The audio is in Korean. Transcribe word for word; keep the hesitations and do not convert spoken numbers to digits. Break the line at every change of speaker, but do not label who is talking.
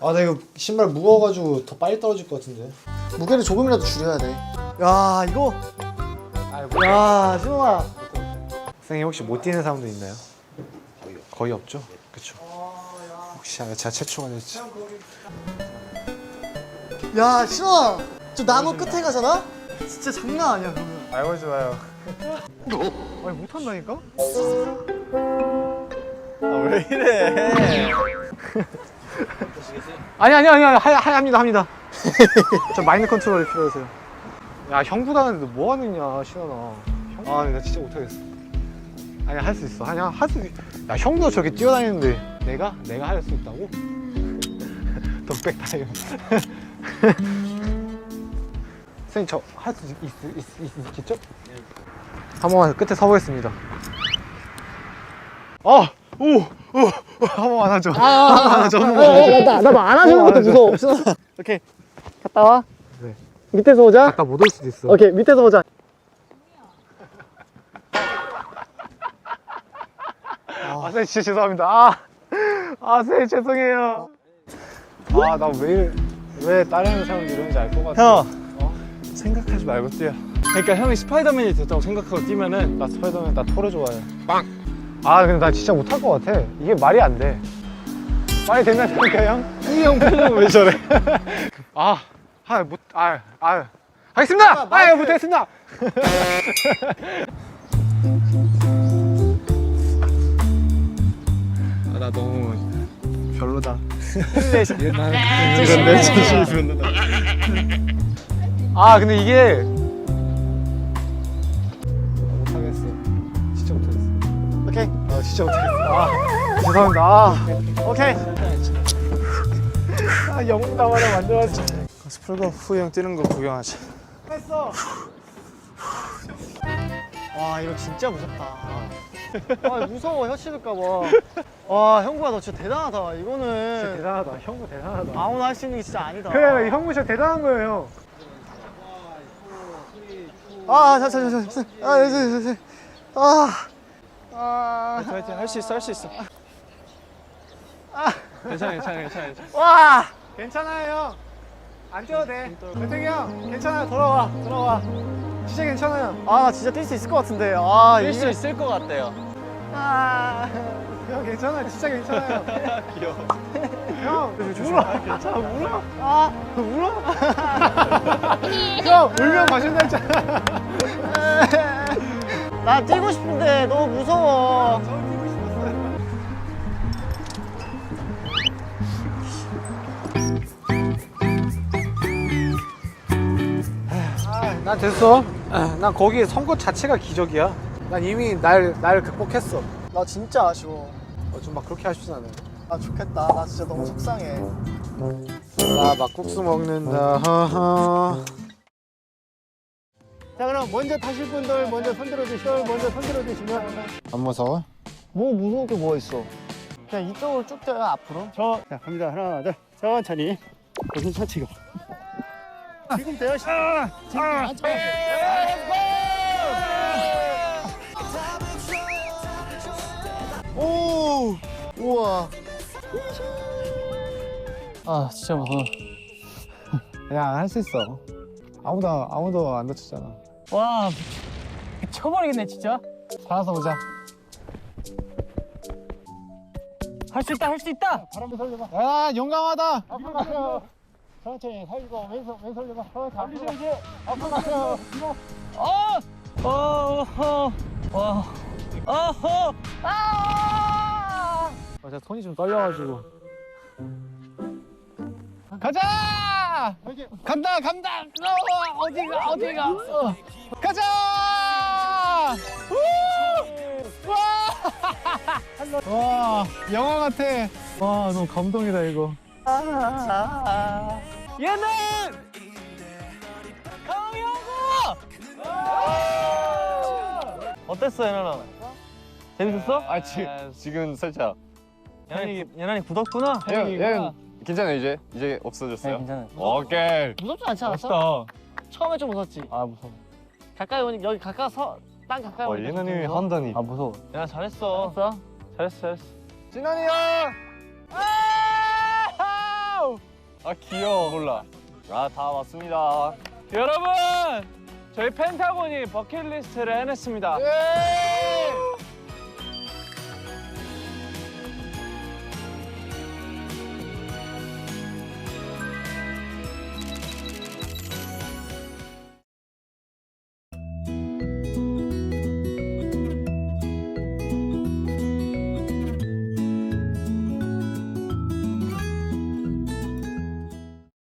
아, 나 이거 신발 무거워가지고 더 빨리 떨어질 것 같은데.
무게를 조금이라도 줄여야 돼. 야 이거. 야 신호아.
선생님 혹시 못 뛰는 사람도 있나요? 거의, 거의 없죠? 그쵸. 혹시 제가 최초가 됐지.
야 신호아. 저 나무 끝에 가잖아? 진짜 장난 아니야 그러면.
알고 좋아요.
아니 못한다니까?
아, 왜 이래?
아니 아니 아니 하, 하, 합니다 합니다. 저 마인드 컨트롤이 필요해서요. 야 형보다는 뭐 하느냐 신원아. 형... 아 나 진짜 못하겠어. 아니 할 수 있어. 아니야 할 수. 야 형도 저렇게 뛰어다니는데 내가 내가 할 수 있다고? 덕백 타임. 선생님 저 할 수 있, 있, 있, 있겠죠? 한 번만 끝에 서보겠습니다. 아! 오! 오! 한 번만 하죠. 한 번만 하죠. 한 번만 하죠.
나도 안아주는 것도 무서워. 신호아. 오케이 갔다 와.
네.
밑에서 오자.
아까 못 올 수도 있어.
오케이 밑에서 오자.
아, 선생님 진짜 죄송합니다. 아, 아 선생님 죄송해요. 아, 나 왜 이래, 왜 다른 사람들 이러는지 알 것 같아.
형.
어? 생각하지 말고 뛰어. 그러니까 형이 스파이더맨이 됐다고 생각하고 뛰면은 나 스파이더맨 나 토르 좋아해. 빵! 아, 근데 나 진짜 못할 것 같아. 이게 말이 안 돼. 말이 된다니까 형? 이 형 표정은 왜 저래? 아, 아, 못, 아, 아. 하겠습니다! 아, 아 못하겠습니다! 아, 나 너무 별로다. 옛날 이런 내 자신이 별로다. 아 근데 이게 못하겠어. 진짜 못하겠어.
오케이.
아 진짜 못하겠어. 아 죄송합니다. 아
오케이.
아 영웅 담아라 만들었지.
스풀고 후형 뛰는 거 구경하자.
했어. 와 이거 진짜 무섭다. 아 무서워 혀 씹을까봐. 와 형구야 너 진짜 대단하다. 이거는
진짜 대단하다. 형부 대단하다.
아무나 할 수 있는 게 진짜 아니다.
그래 형부 진짜 대단한 거예요.
아, 자, 자, 자, 자, 아, 자, 자, 자, 아, 아,
파이팅 할 수 있어 할 수 있어.
괜찮아 괜찮아 괜찮아. 괜찮아.
와,
괜찮아요 형. 안 뛰어도 돼. 대통이 형 괜찮아요. 돌아와 돌아와. 진짜 괜찮아요.
아, 나 진짜 뛸 수 있을 것 같은데. 아,
뛸 수 있을 것 같아요.
아,
형 괜찮아요. 진짜 괜찮아요.
귀여워.
형 울어. 괜찮아 울어.
아,
울어. 형 울면 마신다 했잖아.
나 뛰고 싶은데 너무 무서워.
저 뛰고 싶었어요. 난 됐어. 난 거기 선 것 자체가 기적이야. 난 이미 날, 날 극복했어.
나 진짜 아쉬워.
어, 좀 막 그렇게 하시진 않아요.
아, 좋겠다. 나 진짜 너무 속상해.
나 막국수 먹는다. 하하.
자, 그럼 먼저 타실 분들 먼저 손들어 주시면 먼저 손들어 주시면.
안 무서워?
뭐 무서울 게 뭐가 있어? 그냥 이쪽으로 쭉 뛰어요 앞으로.
저, 자, 갑니다. 하나, 둘. 천천히. 천천히 가.
지금 돼요. 아, 지금 안 쳐. 오, 우와.
아, 진짜 무서워.
야, 할 수 있어. 아무도, 아무도 안 다쳤잖아.
와, 쳐버리겠네, 진짜.
살아서 보자.
할 수 있다, 할 수 있다.
바람도 살려봐. 야, 용감하다.
앞으로 가세요. 천천히 살리고 왼손 왼손 잡아. 앞으로 가세요. 앞으로 가세요. 어, 어, 어, 와, 어허, 아!
아, 제가 손이 좀 떨려가지고. 가자! 간다, 간다! 어, 어디가, 어디가? 어. 가자! 우! 와! 와, 영화 같아. 와, 너무 감동이다, 이거.
얘는 강영구. 어땠어, 연아나? 재밌었어?
아 지금 지금 살짝.
연아이 연아이 굳었구나.
형, 형 괜찮아요 이제 이제 없어졌어요.
네, 괜찮아요.
오케이.
무섭지 않지 않았어?
멋있다.
처음에 좀 무섭지.
아, 무서워.
가까이 오니 여기 가까서 땅 가까이
어
오니까 좀
예나님이
무서워.
한다니.
아, 무서워.
야, 잘했어.
알았어.
잘했어, 잘했어.
진원이 형!
아!
아 귀여워. 몰라. 아 다 왔습니다.
여러분 저희 펜타곤이 버킷리스트를 해냈습니다.